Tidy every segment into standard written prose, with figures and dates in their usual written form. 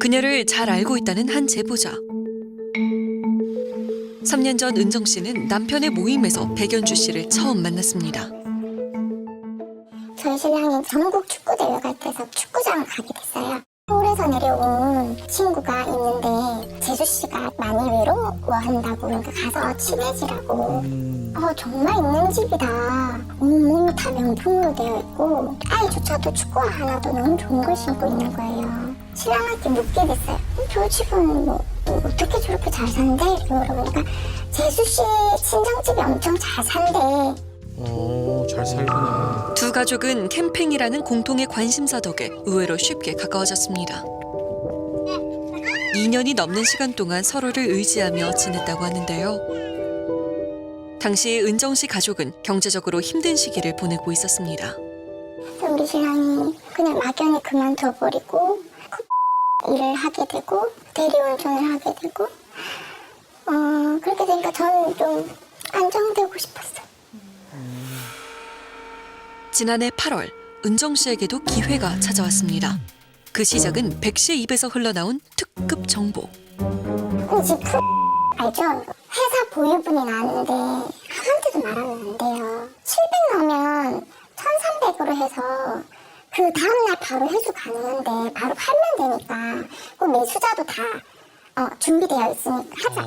그녀를 잘 알고 있다는 한 제보자. 3년 전 은정 씨는 남편의 모임에서 백연주 씨를 처음 만났습니다. 저희 신랑이 전국 축구대회 갈 때서 축구장을 가게 됐어요. 서울에서 내려온 친구가 있는데 재수 씨가 많이 외로워한다고 그러니까 가서 친해지라고. 정말 있는 집이다. 온몸이 다 명품으로 되어 있고 아이조차도 축구화 하나도 너무 좋은 걸 신고 있는 거예요. 신랑한테 묻게 됐어요. 저 집은 뭐 어떻게 저렇게 잘 산대? 이렇게 물어보니까 재수 씨 친정집이 엄청 잘 산대. 잘 살구나. 두 가족은 캠핑이라는 공통의 관심사 덕에 의외로 쉽게 가까워졌습니다. 2년이 넘는 시간 동안 서로를 의지하며 지냈다고 하는데요. 당시 은정 씨 가족은 경제적으로 힘든 시기를 보내고 있었습니다. 우리 신랑이 그냥 막연히 그만둬버리고 일을 하게 되고 대리운전을 하게 되고 그렇게 되니까 저는 좀 안정되고 싶었어요. 지난해 8월 은정 씨에게도 기회가 찾아왔습니다. 그 시작은 백 씨의 입에서 흘러나온 특급 정보. 집 알죠? 회사 보유분이 나왔는데 아무한테도 말하면 안 돼요. 700 넣으면 1300으로 해서 그 다음날 바로 회수 가능한데 바로 팔면 되니까 그 매수자도 다 준비되어 있으니까 하자.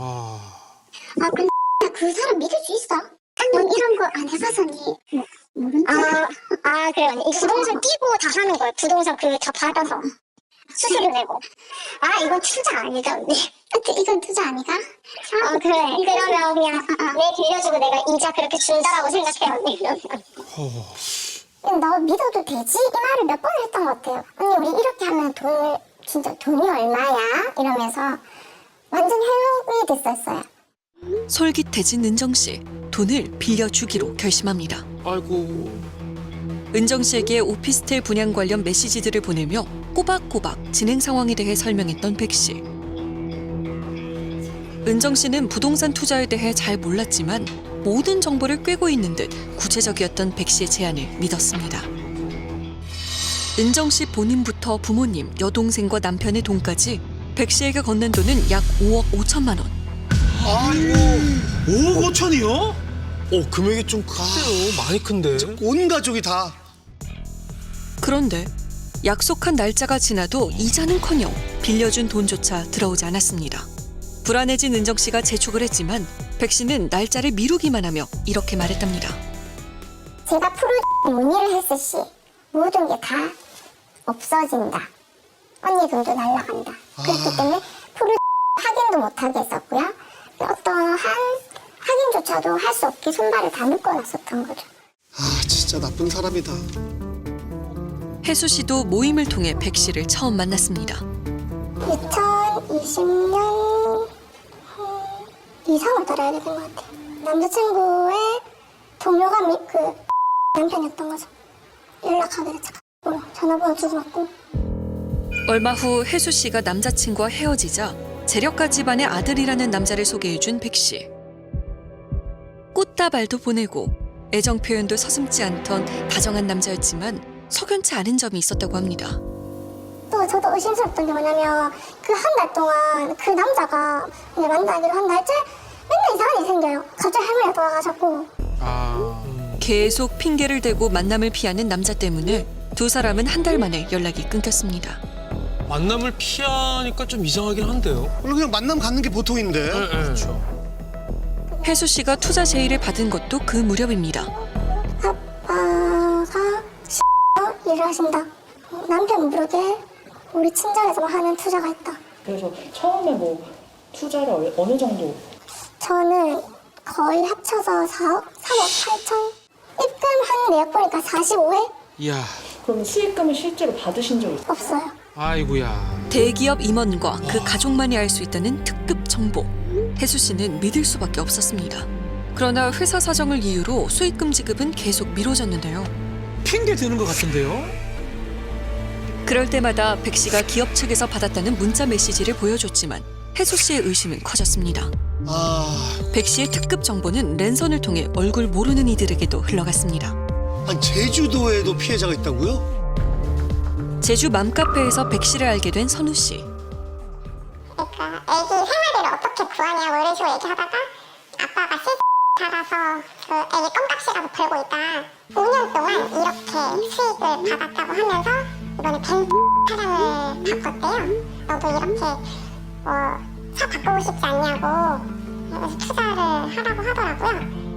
근데 그 사람 믿을 수 있어? 넌 이런 거 안 해봐서니 모른다. 그래 언니. 부동산 띄고 다 하는 거예요. 부동산 다 받아서 수수료 내고. 이건 투자 아니다 언니. 이건 투자 아니가? 그래. 그러면 그냥 내 빌려주고 내가 이자 그렇게 준다라고 생각해 언니. 그러면 너 믿어도 되지? 이 말을 몇 번 했던 것 같아요. 언니 우리 이렇게 하면 진짜 돈이 얼마야? 이러면서 완전 해먹이 됐었어요. 솔깃해진 은정 씨, 돈을 빌려주기로 결심합니다. 아이고. 은정 씨에게 오피스텔 분양 관련 메시지들을 보내며 꼬박꼬박 진행 상황에 대해 설명했던 백 씨. 은정 씨는 부동산 투자에 대해 잘 몰랐지만 모든 정보를 꿰고 있는 듯 구체적이었던 백 씨의 제안을 믿었습니다. 은정 씨 본인부터 부모님, 여동생과 남편의 돈까지 백 씨에게 건넨 돈은 약 5억 5천만 원. 아이고 5억 5천이요? 금액이 좀 큰데요. 많이 큰데. 온 가족이 다. 그런데 약속한 날짜가 지나도 이자는커녕 빌려준 돈조차 들어오지 않았습니다. 불안해진 은정 씨가 재촉을 했지만 백 씨는 날짜를 미루기만 하며 이렇게 말했답니다. 제가 프로젝트 문의를 했을 시 모든 게 다 없어진다. 언니 돈도 날라간다. 그렇기 때문에 프로젝트 확인도 못하게 했었고요. 어떠한 확인조차도 할 수 없게 손발을 다 묶어놨었던 거죠. 진짜 나쁜 사람이다. 혜수 씨도 모임을 통해 백 씨를 처음 만났습니다. 2020년 이상을 달아야 되는 것 같아요. 남자친구의 동료가 그 남편이었던 거죠. 연락하게 됐죠. 전화번호 주고받고. 얼마 후 혜수 씨가 남자친구와 헤어지자 재력가 집안의 아들이라는 남자를 소개해준 백 씨. 꽃다발도 보내고 애정 표현도 서슴지 않던 다정한 남자였지만 석연치 않은 점이 있었다고 합니다. 또 저도 의심스럽던 게 뭐냐면 그 한 달 동안 그 남자가 이제 만나기로 한 날째 맨날 이상한 일이 생겨요. 갑자기 할머니가 돌아가셨고. 계속 핑계를 대고 만남을 피하는 남자 때문에 두 사람은 한 달 만에 연락이 끊겼습니다. 만남을 피하니까 좀 이상하긴 한데요. 원래 그냥 만남 갖는 게 보통인데. 그렇죠. 혜수 씨가 투자 제의를 받은 것도 그 무렵입니다. 아빠가 일을 하신다. 남편 모르게 우리 친정에서 하는 투자가 있다. 그래서 처음에 뭐 투자를 어느 정도? 저는 거의 합쳐서 4억 8천. 입금한 내역 보니까 45회? 이야. 그럼 수익금을 실제로 받으신 적이 있어요? 없어요. 아이고야. 대기업 임원과 그 가족만이 알 수 있다는 특급 정보. 혜수 씨는 믿을 수밖에 없었습니다. 그러나 회사 사정을 이유로 수익금 지급은 계속 미뤄졌는데요. 핑계 대는 것 같은데요? 그럴 때마다 백 씨가 기업 측에서 받았다는 문자 메시지를 보여줬지만 혜수 씨의 의심은 커졌습니다. 백 씨의 특급 정보는 랜선을 통해 얼굴 모르는 이들에게도 흘러갔습니다. 제주도에도 피해자가 있다고요? 제주 맘카페에서 백 씨를 알게 된 선우 씨. 그러니까 애기 생활비를 어떻게 구하냐고 이런 식으로 얘기하다가 아빠가 살아서 그 애기 껌값이라도 벌고 있다. 5년 동안 이렇게 수익을 받았다고 하면서 이번에 벤츠 차량을 바꿨대요. 너도 이렇게 차 바꾸고 싶지 않냐고 그래서 투자를 하라고 하더라고요.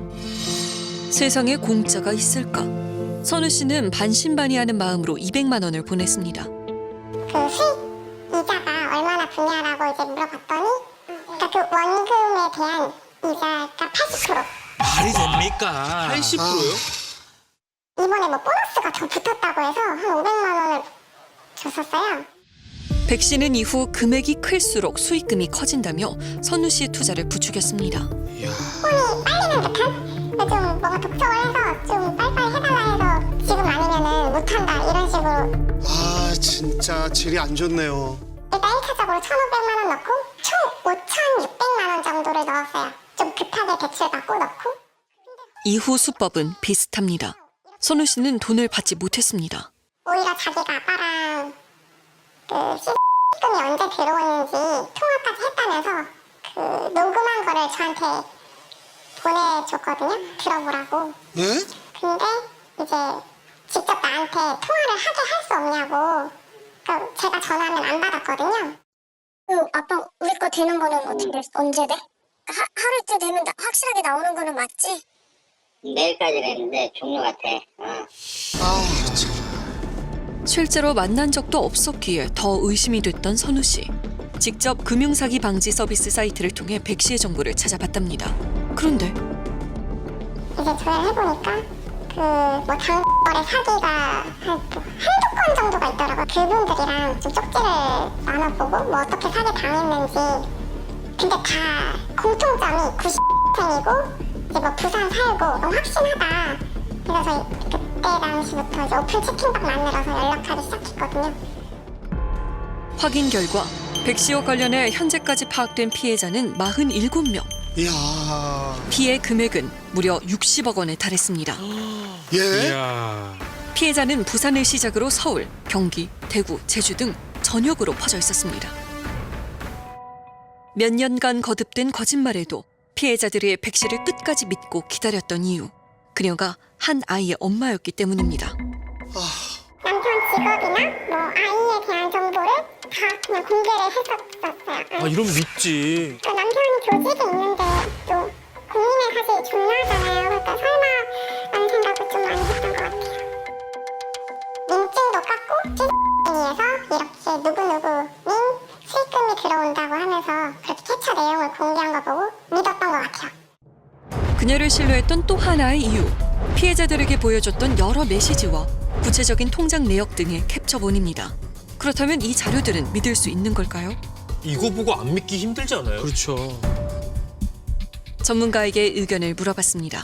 세상에 공짜가 있을까? 선우 씨는 반신반의하는 마음으로 200만 원을 보냈습니다. 그 수익 이자가 얼마나 분야라고 이제 물어봤더니 그러니까 그 원금에 대한 이자가 80%. 말이 됩니까? 80%요? 이번에 뭐 보너스가 더 붙었다고 해서 한 500만 원을 줬었어요. 백 씨는 이후 금액이 클수록 수익금이 커진다며 선우 씨의 투자를 부추겼습니다. 폰이 빨리는 듯한? 좀 뭔가 독촉을 해서 좀 빨리빨리 해달라 해서 지금 아니면은 못한다 이런 식으로. 아 진짜 질이 안 좋네요. 일단 1차적으로 1,500만 원 넣고 총 5,600만 원 정도를 넣었어요. 좀 급하게 대출받고 넣고. 이후 수법은 비슷합니다. 선우 씨는 돈을 받지 못했습니다. 오히려 자기가 아빠랑 그 시금이 언제 들어오는지 통화까지 했다면서 그 녹음한 거를 저한테 보내줬거든요. 들어보라고. 예? 근데 이제 직접 나한테 통화를 하게 할 수 없냐고. 그러니까 제가 전화하면 안 받았거든요. 아빠 우리 거 되는 거는 어떻게 언제 돼? 하루 이틀 되면 확실하게 나오는 거는 맞지? 내일까지는 했는데 종료 같아. 아 참. 실제로 만난 적도 없었기에 더 의심이 됐던 선우 씨. 직접 금융사기 방지 서비스 사이트를 통해 백 씨의 정보를 찾아봤답니다. 그런데 이제 조회를 해보니까 그뭐 장거래 사기가 한두 건 정도가 있더라고요. 그분들이랑 좀 쪽지를 나눠보고 뭐 어떻게 사기 당했는지. 근데 다 공통점이 90생이고 이제 뭐 부산 살고 너무 확신하다. 그래서 저희 그때 당시부터 이제 오픈 치킨밥 만들어서 연락하기 시작했거든요. 확인 결과 백 씨와 관련해 현재까지 파악된 피해자는 47명. 이야. 피해 금액은 무려 60억 원에 달했습니다. 예? 이야. 피해자는 부산을 시작으로 서울, 경기, 대구, 제주 등 전역으로 퍼져 있었습니다. 몇 년간 거듭된 거짓말에도 피해자들이 백 씨를 끝까지 믿고 기다렸던 이유, 그녀가 한 아이의 엄마였기 때문입니다. 남편 직업이나 뭐 아이에 대한 정보를 다 그냥 공개를 했었어요. 아 이러면 믿지. 그 남편이 교직에 있는데 또 공인에 사실 중요하잖아요. 그러니까 설마 라는 생각을 좀 많이 했던 것 같아요. 민증도 깎고 X에서 이렇게 누구누구는 수익금이 들어온다고 하면서 그렇게 캐처 내용을 공개한 거 보고 믿었던 것 같아요. 그녀를 신뢰했던 또 하나의 이유, 피해자들에게 보여줬던 여러 메시지와 구체적인 통장 내역 등의 캡처본입니다. 그렇다면 이 자료들은 믿을 수 있는 걸까요? 이거 보고 안 믿기 힘들지 않아요? 그렇죠. 전문가에게 의견을 물어봤습니다.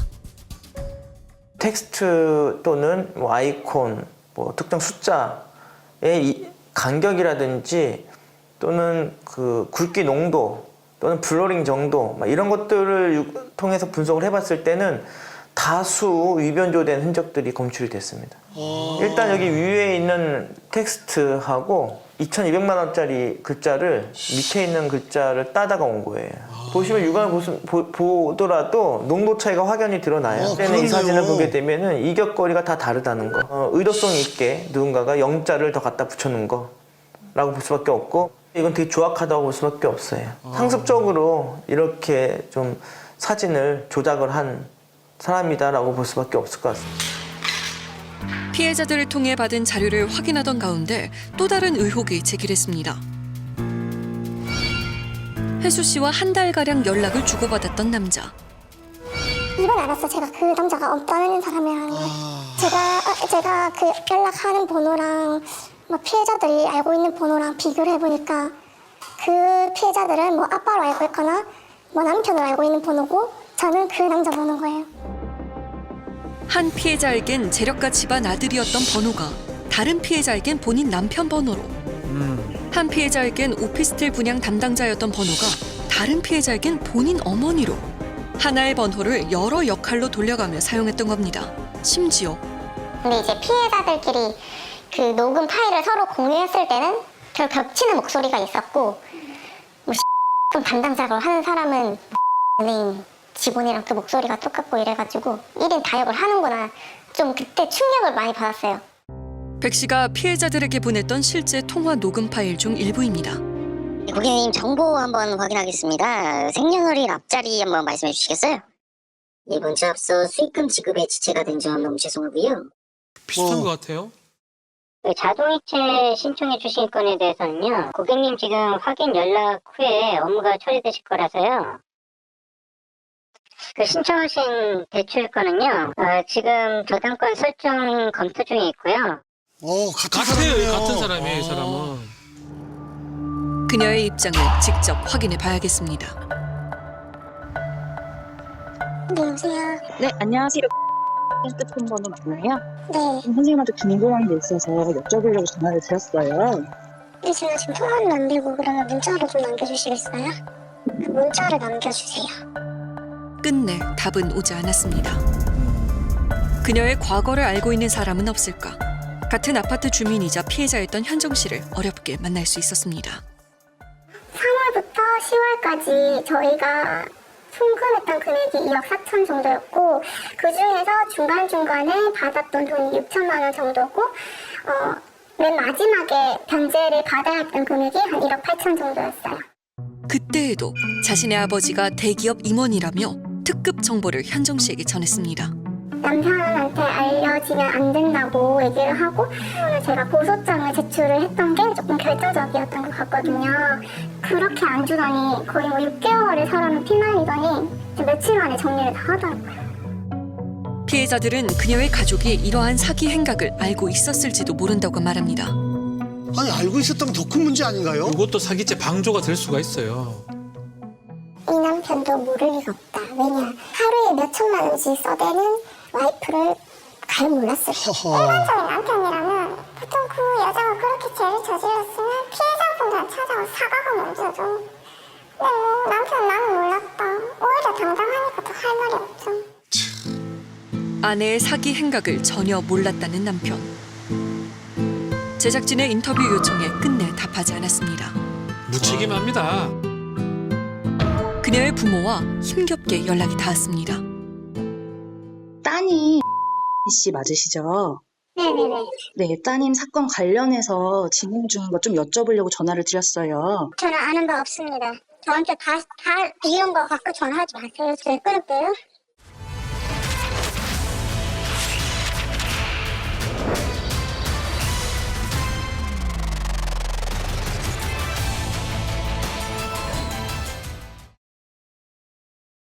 텍스트 또는 뭐 아이콘, 뭐 특정 숫자의 이 간격이라든지 또는 그 굵기 농도 또는 블러링 정도 이런 것들을 통해서 분석을 해봤을 때는 다수 위변조된 흔적들이 검출이 됐습니다. 일단 여기 위에 있는 텍스트하고 2,200만 원짜리 글자를 밑에 있는 글자를 따다가 온 거예요. 보시면 육안을 보더라도 농도 차이가 확연히 드러나요. 그때는 이 사진을 보게 되면은 이격거리가 다 다르다는 거. 의도성 있게 누군가가 영자를 더 갖다 붙여놓은 거라고 볼 수밖에 없고, 이건 되게 조악하다고 볼 수밖에 없어요. 상습적으로 이렇게 좀 사진을 조작을 한 사람이다라고 볼 수밖에 없을 것 같습니다. 피해자들을 통해 받은 자료를 확인하던 가운데 또 다른 의혹이 제기됐습니다. 혜수 씨와 한 달가량 연락을 주고받았던 남자. 이번 알았어. 제가 그 남자가 없다는 사람이라는 걸. 제가 그 연락하는 번호랑 뭐 피해자들이 알고 있는 번호랑 비교를 해보니까 그 피해자들은 뭐 아빠로 알고 있거나 뭐 남편을 알고 있는 번호고 저는 그 남자 번호인 거예요. 한 피해자에겐 재력가 집안 아들이었던 번호가 다른 피해자에겐 본인 남편 번호로, 한 피해자에겐 오피스텔 분양 담당자였던 번호가 다른 피해자에겐 본인 어머니로, 하나의 번호를 여러 역할로 돌려가며 사용했던 겁니다. 심지어 근데 이제 피해자들끼리 그 녹음 파일을 서로 공유했을 때는 별 겹치는 목소리가 있었고 뭐 담당자로 하는 사람은 은행 직원이랑 또 목소리가 똑같고 이래가지고 1인 타협을 하는구나. 좀 그때 충격을 많이 받았어요. 백 씨가 피해자들에게 보냈던 실제 통화 녹음 파일 중 일부입니다. 고객님 정보 한번 확인하겠습니다. 생년월일 앞자리 한번 말씀해 주시겠어요? 이 문자 앞서 수익금 지급에 지체가 된 점 너무 죄송하고요. 비슷한 것 같아요. 그 자동이체 신청해 주신 건에 대해서는요. 고객님 지금 확인 연락 후에 업무가 처리되실 거라서요. 그 신청하신 대출건은요. 지금 저당권 설정 검토 중에 있고요. 같은 같아요. 사람이네요. 같은 사람이에요, 이 사람은. 그녀의 입장을 직접 확인해 봐야겠습니다. 네, 여보세요? 네, 안녕하세요. 핸드폰 번호 맞나요? 네. 선생님한테 궁금한 게 있어서 여쭤보려고 전화를 드렸어요. 근데 제가 지금 통화는 안 되고 그러면 문자로 좀 남겨주시겠어요? 그 문자를 남겨주세요. 끝내 답은 오지 않았습니다. 그녀의 과거를 알고 있는 사람은 없을까? 같은 아파트 주민이자 피해자였던 현정 씨를 어렵게 만날 수 있었습니다. 3월부터 10월까지 저희가 송금했던 금액이 2억 4천 정도였고 그 중에서 중간중간에 받았던 돈이 6천만 원 정도고 맨 마지막에 변제를 받아야 했던 금액이 한 1억 8천 정도였어요. 그때에도 자신의 아버지가 대기업 임원이라며 특급 정보를 현정 씨에게 전했습니다. 남편한테 알려지면 안 된다고 얘기를 하고 제가 고소장을 제출을 했던 게 조금 결정적이었던 것 같거든요. 그렇게 안 주더니 거의 뭐 6개월을 사람을 피말리더니 며칠 만에 정리를 다 하더라고요. 피해자들은 그녀의 가족이 이러한 사기 행각을 알고 있었을지도 모른다고 말합니다. 아니 알고 있었다면 더 큰 문제 아닌가요? 이것도 사기죄 방조가 될 수가 있어요. 이 남편도 모를 리가 없다. 왜냐 하루에 몇 천만 원씩 써대는 와이프를 잘 몰랐어요. 허허. 일반적인 남편이라면 보통 그 여자가 그렇게 죄를 저질렀으면 피해자분들한테 찾아와 사과가 먼저죠. 근데 뭐 남편 나는 몰랐다. 오히려 당당하니까 더 할 말이 없죠. 아내의 사기 행각을 전혀 몰랐다는 남편. 제작진의 인터뷰 요청에 끝내 답하지 않았습니다. 무책임합니다. 그녀의 부모와 힘겹게 연락이 닿았습니다. 따님 씨 맞으시죠? 네네네. 네, 따님 사건 관련해서 진행 중인 거 좀 여쭤보려고 전화를 드렸어요. 저는 아는 바 없습니다. 저한테 다 이런 거 갖고 전화하지 마세요. 제가 끊을게요.